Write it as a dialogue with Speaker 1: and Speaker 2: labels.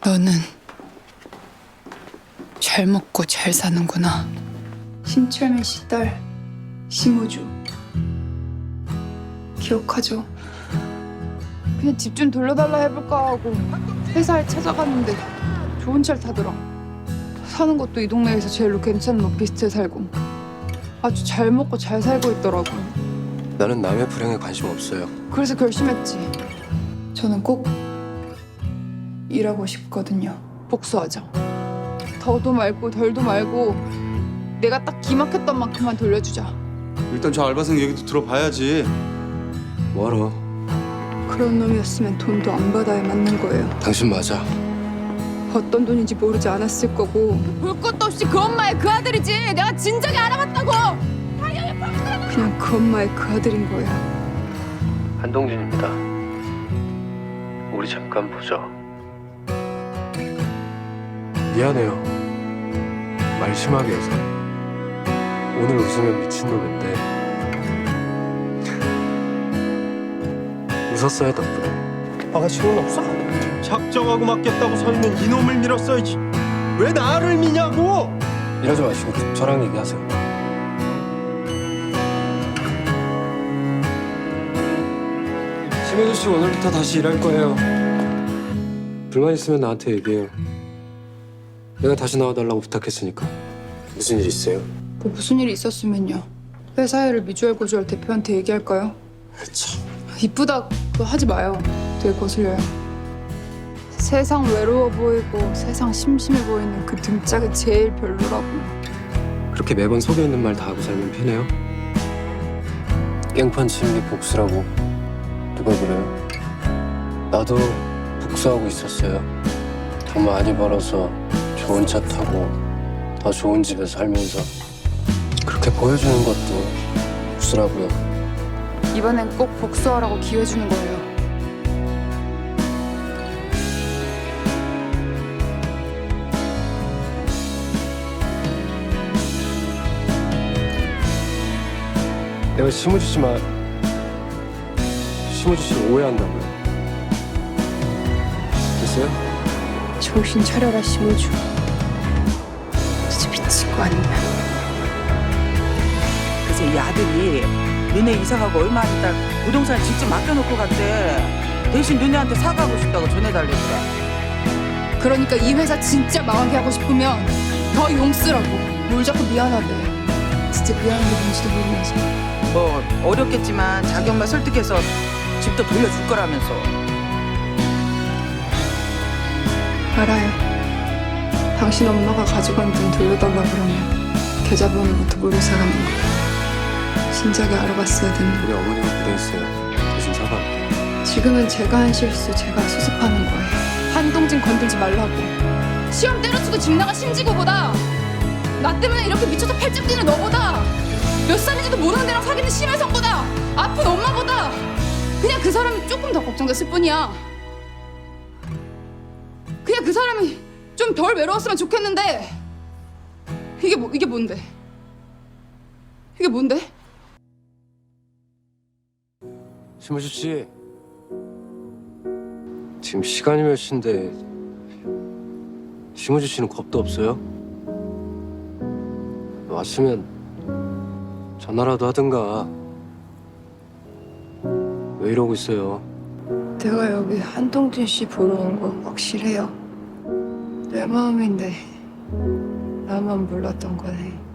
Speaker 1: 너는 잘 먹고 잘 사는구나.
Speaker 2: 신철민 씨 딸 심우주 기억하죠? 그냥 집 좀 돌려달라 해볼까 하고 회사에 찾아갔는데 좋은 차를 타더라. 사는 것도 이 동네에서 제일로 괜찮은 오피스텔 살고 아주 잘 먹고 잘 살고 있더라고.
Speaker 3: 나는 남의 불행에 관심 없어요.
Speaker 2: 그래서 결심했지. 저는 꼭 일하고 싶거든요. 복수하자. 더도 말고 덜도 말고 내가 딱 기막혔던 만큼만 돌려주자.
Speaker 4: 일단 저 알바생 얘기도 들어봐야지.
Speaker 3: 뭐하러?
Speaker 2: 그런 놈이었으면 돈도 안 받아야 맞는 거예요.
Speaker 3: 당신 맞아.
Speaker 2: 어떤 돈인지 모르지 않았을 거고 볼 것도 없이 그 엄마의 그 아들이지. 내가 진작에 알아봤다고. 그냥 그 엄마의 그 아들인 거야.
Speaker 3: 한동진입니다. 우리 잠깐 보죠. 미안해요. 말 심하게 해서. 오늘 웃으면 미친놈인데 웃었어요 덕분에.
Speaker 5: 아가씨 돈 없어? 작정하고 맡겠다고 서 있는 이놈을 밀었어야지. 왜 나를 미냐고?
Speaker 3: 이러지 마시고 저랑 얘기하세요. 심혜주 씨 오늘부터 다시 일할 거예요. 불만 있으면 나한테 얘기해요. 내가 다시 나와달라고 부탁했으니까. 무슨 일 있어요?
Speaker 2: 뭐 무슨 일이 있었으면요. 회사 일을 미주알 고주알 대표한테 얘기할까요?
Speaker 3: 참.
Speaker 2: 이쁘다 그거 하지 마요. 되게 거슬려요. 세상 외로워 보이고 세상 심심해 보이는 그 등짝이 제일 별로라고.
Speaker 3: 그렇게 매번 속에 있는 말 다 하고 살면 편해요? 깽판 치는 게 복수라고 누가 그래요? 나도 복수하고 있었어요. 돈 많이 벌어서 좋은 차 타고 더 좋은 집에 살면서 그렇게 보여주는 것도 복수라고요.
Speaker 2: 이번엔 꼭 복수하라고 기회 주는 거예요.
Speaker 3: 내가 심우주 씨만 심우주 씨를 오해한다고요. 됐어요?
Speaker 2: 정신 차려라 심우주. 진짜 미친 거 아니냐.
Speaker 6: 그래서 이 아들이 너네 이사가고 얼마 안 있다 부동산을 직접 맡겨놓고 갔대. 대신 너네한테 사과하고 싶다고 전해달랬대.
Speaker 2: 그러니까 이 회사 진짜 망하게 하고 싶으면 더 용 쓰라고. 뭘 자꾸 미안하대. 진짜 미안한 게 뭔지도 모르면서.
Speaker 6: 뭐 어렵겠지만 자기 엄마 설득해서 집도 돌려줄 거라면서.
Speaker 2: 알아요. 당신 엄마가 가져간 돈 돌려달라 그러면 계좌번호부터 모르고 사가는 거. 진작에 알아봤어야 됐는데.
Speaker 3: 우리 어머니가 그랬어요. 대신 사과할게요.
Speaker 2: 지금은 제가 한 실수 제가 수습하는 거예요. 한동진 건들지 말라고. 시험 때려치고 집 나가 심지고보다 나 때문에 이렇게 미쳐서 팔짱 뛰는 너보다 몇 살인지도 모르는 애랑 사귀는 심혜성보다 아픈 엄마보다 그냥 그 사람이 조금 더 걱정됐을 뿐이야. 그냥 그 사람이 좀 덜 외로웠으면 좋겠는데 이게 뭔데? 이게 뭔데?
Speaker 3: 심우주 씨, 지금 시간이 몇 시인데 심우주 씨는 겁도 없어요? 왔으면 전화라도 하든가. 왜 이러고 있어요?
Speaker 2: 내가 여기 한동진 씨 보러 온 거 확실해요. 내 마음인데 나만 몰랐던 거네.